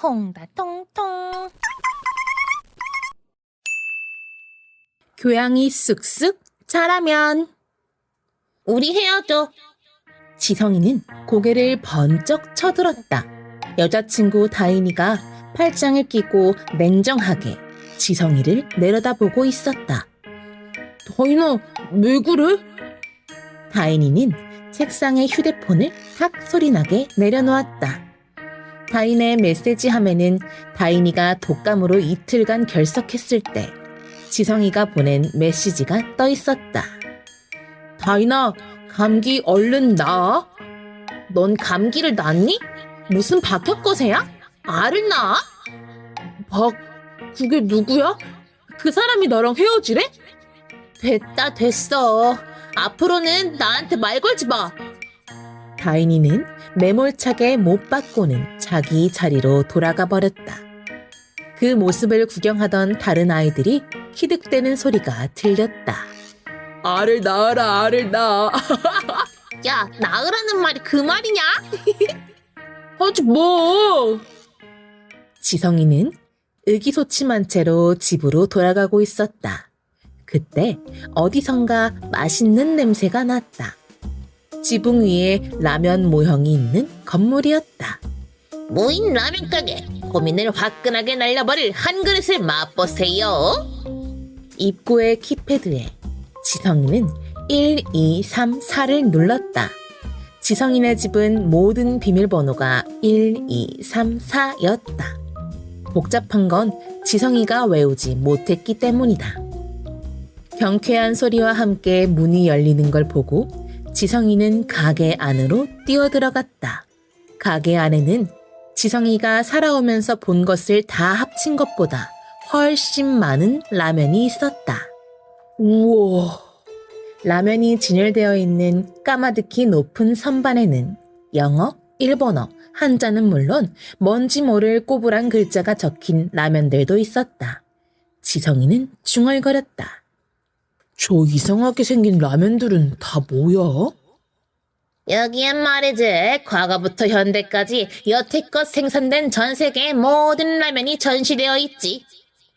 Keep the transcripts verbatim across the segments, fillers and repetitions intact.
통다 통통. 교양이 쑥쑥 자라면 우리 헤어져. 지성이는 고개를 번쩍 쳐들었다. 여자친구 다인이가 팔짱을 끼고 냉정하게 지성이를 내려다보고 있었다. 다인아, 왜 그래? 다인이는 책상에 휴대폰을 탁 소리나게 내려놓았다. 다인의 메시지 화면은 다인이가 독감으로 이틀간 결석했을 때 지성이가 보낸 메시지가 떠 있었다. 다인아, 감기 얼른 나아? 넌 감기를 낳니? 무슨 박혁거세야? 알을 낳아? 박, 그게 누구야? 그 사람이 너랑 헤어지래? 됐다, 됐어. 앞으로는 나한테 말 걸지 마. 다인이는 매몰차게 못 받고는 자기 자리로 돌아가 버렸다. 그 모습을 구경하던 다른 아이들이 키득대는 소리가 들렸다. 알을 낳아라, 알을 낳아. 야, 나으라는 말이 그 말이냐? 하지 뭐. 지성이는 의기소침한 채로 집으로 돌아가고 있었다. 그때 어디선가 맛있는 냄새가 났다. 지붕 위에 라면 모형이 있는 건물이었다. 무인 라면 가게. 고민을 화끈하게 날려버릴 한 그릇을 맛보세요. 입구의 키패드에 지성이는 일, 이, 삼, 사를 눌렀다. 지성이네 집은 모든 비밀번호가 일, 이, 삼, 사였다. 복잡한 건 지성이가 외우지 못했기 때문이다. 경쾌한 소리와 함께 문이 열리는 걸 보고 지성이는 가게 안으로 뛰어들어갔다. 가게 안에는 지성이가 살아오면서 본 것을 다 합친 것보다 훨씬 많은 라면이 있었다. 우와! 라면이 진열되어 있는 까마득히 높은 선반에는 영어, 일본어, 한자는 물론 뭔지 모를 꼬부랑 글자가 적힌 라면들도 있었다. 지성이는 중얼거렸다. 저 이상하게 생긴 라면들은 다 뭐야? 여기엔 말이지, 과거부터 현대까지 여태껏 생산된 전 세계의 모든 라면이 전시되어 있지.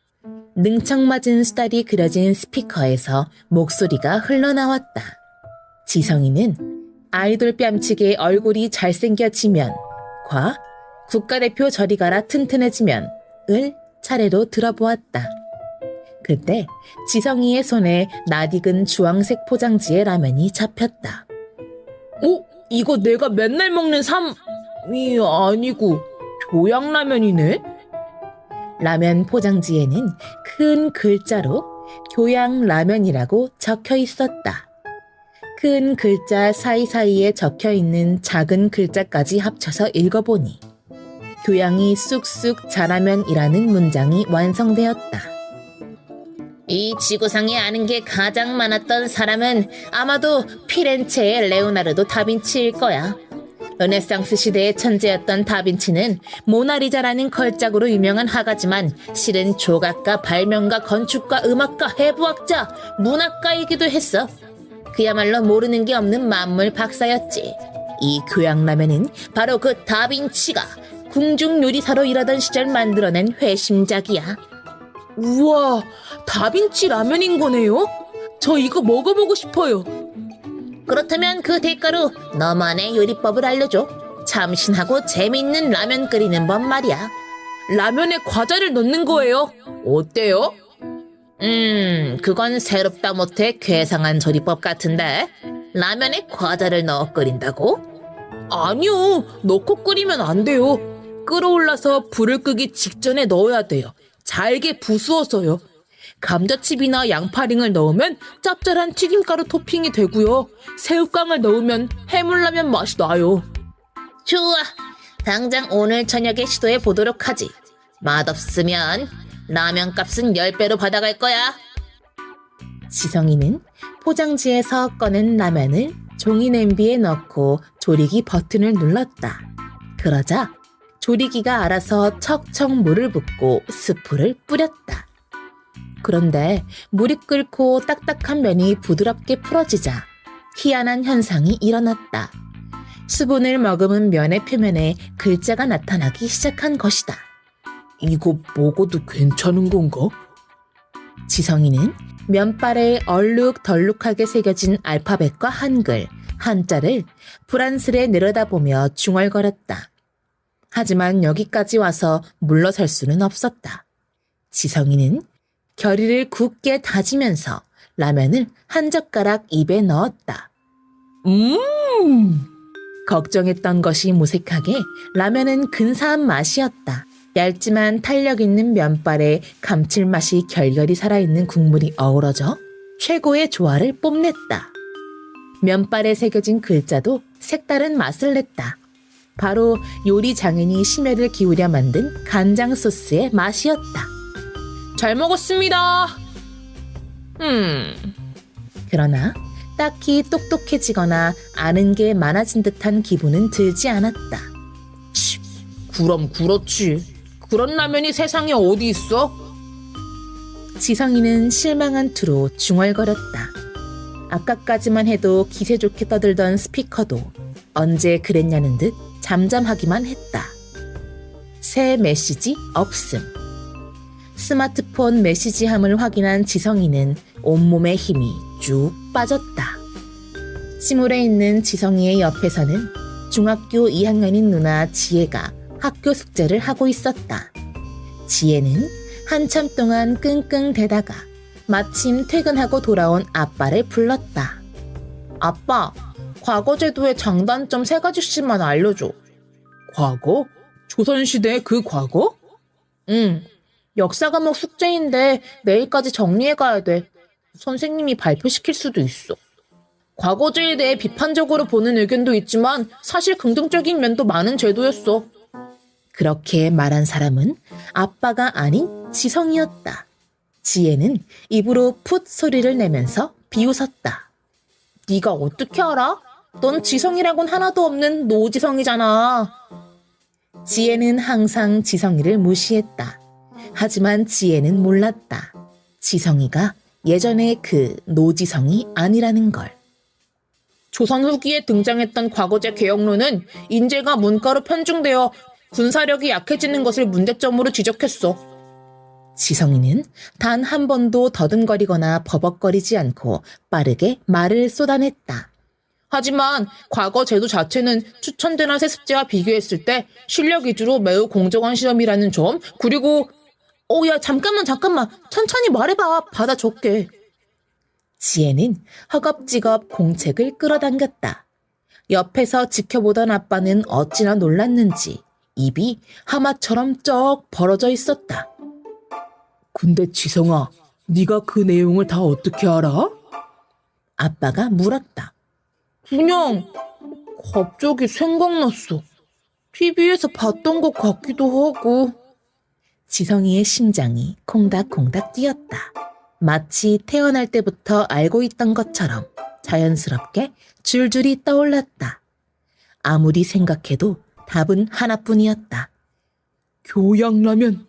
능청맞은 수달이 그려진 스피커에서 목소리가 흘러나왔다. 지성이는 아이돌 뺨치게 얼굴이 잘생겨지면 과 국가대표 저리 가라 튼튼해지면 을 차례로 들어보았다. 그때 지성이의 손에 낯익은 주황색 포장지의 라면이 잡혔다. 어? 이거 내가 맨날 먹는 삼이 아니고 교양라면이네? 라면 포장지에는 큰 글자로 교양라면이라고 적혀 있었다. 큰 글자 사이사이에 적혀 있는 작은 글자까지 합쳐서 읽어보니 교양이 쑥쑥 자라면이라는 문장이 완성되었다. 이 지구상에 아는 게 가장 많았던 사람은 아마도 피렌체의 레오나르도 다빈치일 거야. 르네상스 시대의 천재였던 다빈치는 모나리자라는 걸작으로 유명한 화가지만 실은 조각가, 발명가, 건축가, 음악가, 해부학자, 문학가이기도 했어. 그야말로 모르는 게 없는 만물 박사였지. 이 교양라면은 바로 그 다빈치가 궁중요리사로 일하던 시절 만들어낸 회심작이야. 우와, 다빈치 라면인 거네요? 저 이거 먹어보고 싶어요. 그렇다면 그 대가로 너만의 요리법을 알려줘. 참신하고 재미있는 라면 끓이는 법 말이야. 라면에 과자를 넣는 거예요. 어때요? 음, 그건 새롭다 못해 괴상한 조리법 같은데. 라면에 과자를 넣어 끓인다고? 아니요, 넣고 끓이면 안 돼요. 끓어올라서 불을 끄기 직전에 넣어야 돼요. 잘게 부수어서요. 감자칩이나 양파링을 넣으면 짭짤한 튀김가루 토핑이 되고요. 새우깡을 넣으면 해물라면 맛이 나요. 좋아. 당장 오늘 저녁에 시도해 보도록 하지. 맛없으면 라면 값은 열 배로 받아갈 거야. 지성이는 포장지에서 꺼낸 라면을 종이 냄비에 넣고 조리기 버튼을 눌렀다. 그러자 조리기가 알아서 척척 물을 붓고 스프를 뿌렸다. 그런데 물이 끓고 딱딱한 면이 부드럽게 풀어지자 희한한 현상이 일어났다. 수분을 머금은 면의 표면에 글자가 나타나기 시작한 것이다. 이거 먹어도 괜찮은 건가? 지성이는 면발에 얼룩덜룩하게 새겨진 알파벳과 한글, 한자를 불안스레 내려다보며 중얼거렸다. 하지만 여기까지 와서 물러설 수는 없었다. 지성이는 결의를 굳게 다지면서 라면을 한 젓가락 입에 넣었다. 음! 걱정했던 것이 무색하게 라면은 근사한 맛이었다. 얇지만 탄력 있는 면발에 감칠맛이 결결이 살아있는 국물이 어우러져 최고의 조화를 뽐냈다. 면발에 새겨진 글자도 색다른 맛을 냈다. 바로 요리 장인이 심혈을 기울여 만든 간장 소스의 맛이었다. 잘 먹었습니다. 음, 그러나 딱히 똑똑해지거나 아는 게 많아진 듯한 기분은 들지 않았다. 치, 그럼 그렇지. 그런 라면이 세상에 어디 있어? 지성이는 실망한 투로 중얼거렸다. 아까까지만 해도 기세 좋게 떠들던 스피커도 언제 그랬냐는 듯 잠잠하기만 했다. 새 메시지 없음. 스마트폰 메시지함을 확인한 지성이는 온몸에 힘이 쭉 빠졌다. 침울해 있는 지성이의 옆에서는 중학교 이 학년인 누나 지혜가 학교 숙제를 하고 있었다. 지혜는 한참 동안 끙끙대다가 마침 퇴근하고 돌아온 아빠를 불렀다. 아빠, 과거제도의 장단점 세 가지씩만 알려줘. 과거? 조선시대 그 과거? 응, 역사 과목 숙제인데 내일까지 정리해 가야 돼. 선생님이 발표시킬 수도 있어. 과거제에 대해 비판적으로 보는 의견도 있지만 사실 긍정적인 면도 많은 제도였어. 그렇게 말한 사람은 아빠가 아닌 지성이었다. 지혜는 입으로 풋 소리를 내면서 비웃었다. 네가 어떻게 알아? 넌 지성이라곤 하나도 없는 노지성이잖아. 지혜는 항상 지성이를 무시했다. 하지만 지혜는 몰랐다. 지성이가 예전의 그 노지성이 아니라는 걸. 조선 후기에 등장했던 과거제 개혁론은 인재가 문과로 편중되어 군사력이 약해지는 것을 문제점으로 지적했어. 지성이는 단 한 번도 더듬거리거나 버벅거리지 않고 빠르게 말을 쏟아냈다. 하지만 과거 제도 자체는 추천되나 세습제와 비교했을 때 실력 위주로 매우 공정한 시험이라는 점, 그리고 어, 야, 잠깐만, 잠깐만. 천천히 말해봐. 받아 적게. 지혜는 허겁지겁 공책을 끌어당겼다. 옆에서 지켜보던 아빠는 어찌나 놀랐는지 입이 하마처럼 쩍 벌어져 있었다. 근데 지성아, 네가 그 내용을 다 어떻게 알아? 아빠가 물었다. 그냥 갑자기 생각났어. 티비에서 봤던 것 같기도 하고. 지성이의 심장이 콩닥콩닥 뛰었다. 마치 태어날 때부터 알고 있던 것처럼 자연스럽게 줄줄이 떠올랐다. 아무리 생각해도 답은 하나뿐이었다. 교양라면.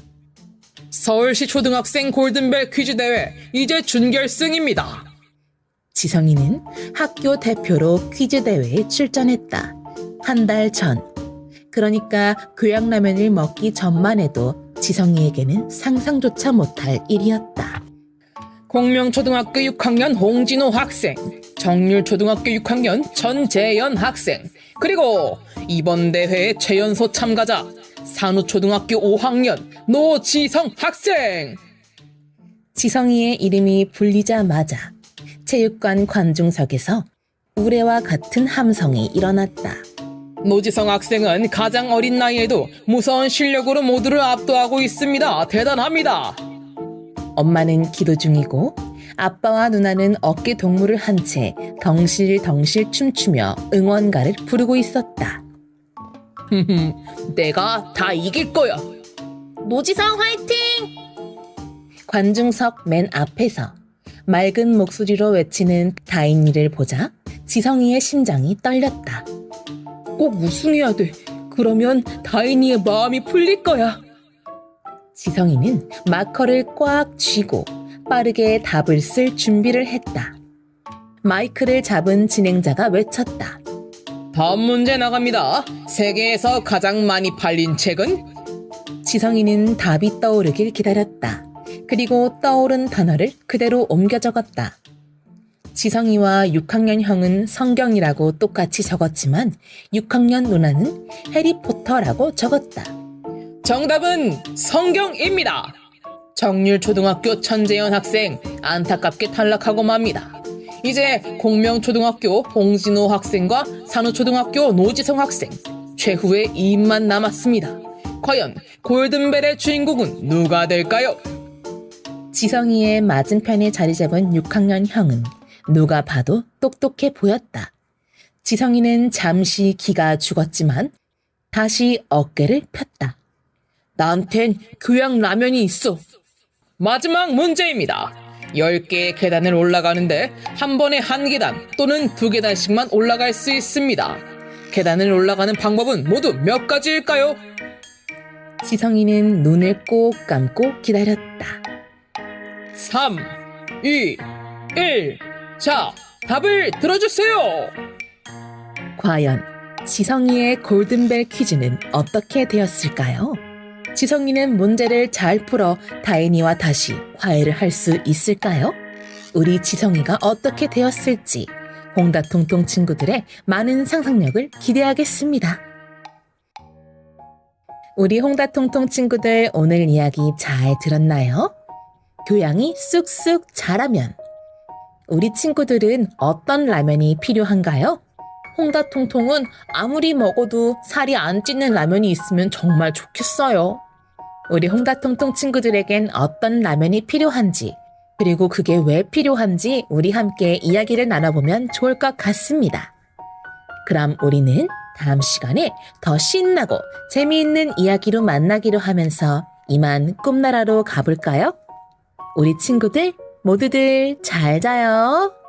서울시 초등학생 골든벨 퀴즈 대회 이제 준결승입니다. 지성이는 학교 대표로 퀴즈 대회에 출전했다. 한 달 전. 그러니까 교양라면을 먹기 전만 해도 지성이에게는 상상조차 못할 일이었다. 공명초등학교 육 학년 홍진호 학생, 정률초등학교 육 학년 전재현 학생, 그리고 이번 대회의 최연소 참가자 산후초등학교 오 학년 노지성 학생. 지성이의 이름이 불리자마자 체육관 관중석에서 우레와 같은 함성이 일어났다. 노지성 학생은 가장 어린 나이에도 무서운 실력으로 모두를 압도하고 있습니다. 대단합니다. 엄마는 기도 중이고 아빠와 누나는 어깨 동무를 한 채 덩실덩실 춤추며 응원가를 부르고 있었다. 내가 다 이길 거야. 노지성 화이팅! 관중석 맨 앞에서 맑은 목소리로 외치는 다인이를 보자 지성이의 심장이 떨렸다. 꼭 우승해야 돼. 그러면 다인이의 마음이 풀릴 거야. 지성이는 마커를 꽉 쥐고 빠르게 답을 쓸 준비를 했다. 마이크를 잡은 진행자가 외쳤다. 다음 문제 나갑니다. 세계에서 가장 많이 팔린 책은? 지성이는 답이 떠오르길 기다렸다. 그리고 떠오른 단어를 그대로 옮겨 적었다. 지성이와 육 학년 형은 성경이라고 똑같이 적었지만 육 학년 누나는 해리포터라고 적었다. 정답은 성경입니다. 정률초등학교 천재현 학생 안타깝게 탈락하고 맙니다. 이제 공명초등학교 홍진호 학생과 산후초등학교 노지성 학생 최후의 이 인만 남았습니다. 과연 골든벨의 주인공은 누가 될까요? 지성이의 맞은편에 자리 잡은 육 학년 형은 누가 봐도 똑똑해 보였다. 지성이는 잠시 기가 죽었지만 다시 어깨를 폈다. 나한텐 교양 라면이 있어. 마지막 문제입니다. 열 개의 계단을 올라가는데 한 번에 한 계단 또는 두 계단씩만 올라갈 수 있습니다. 계단을 올라가는 방법은 모두 몇 가지일까요? 지성이는 눈을 꼭 감고 기다렸다. 삼, 이, 일. 자, 답을 들어주세요. 과연 지성이의 골든벨 퀴즈는 어떻게 되었을까요? 지성이는 문제를 잘 풀어 다인이와 다시 화해를 할 수 있을까요? 우리 지성이가 어떻게 되었을지 홍다통통 친구들의 많은 상상력을 기대하겠습니다. 우리 홍다통통 친구들 오늘 이야기 잘 들었나요? 교양이 쑥쑥 자라면 우리 친구들은 어떤 라면이 필요한가요? 홍다통통은 아무리 먹어도 살이 안 찌는 라면이 있으면 정말 좋겠어요. 우리 홍다통통 친구들에겐 어떤 라면이 필요한지 그리고 그게 왜 필요한지 우리 함께 이야기를 나눠보면 좋을 것 같습니다. 그럼 우리는 다음 시간에 더 신나고 재미있는 이야기로 만나기로 하면서 이만 꿈나라로 가볼까요? 우리 친구들 모두들 잘 자요.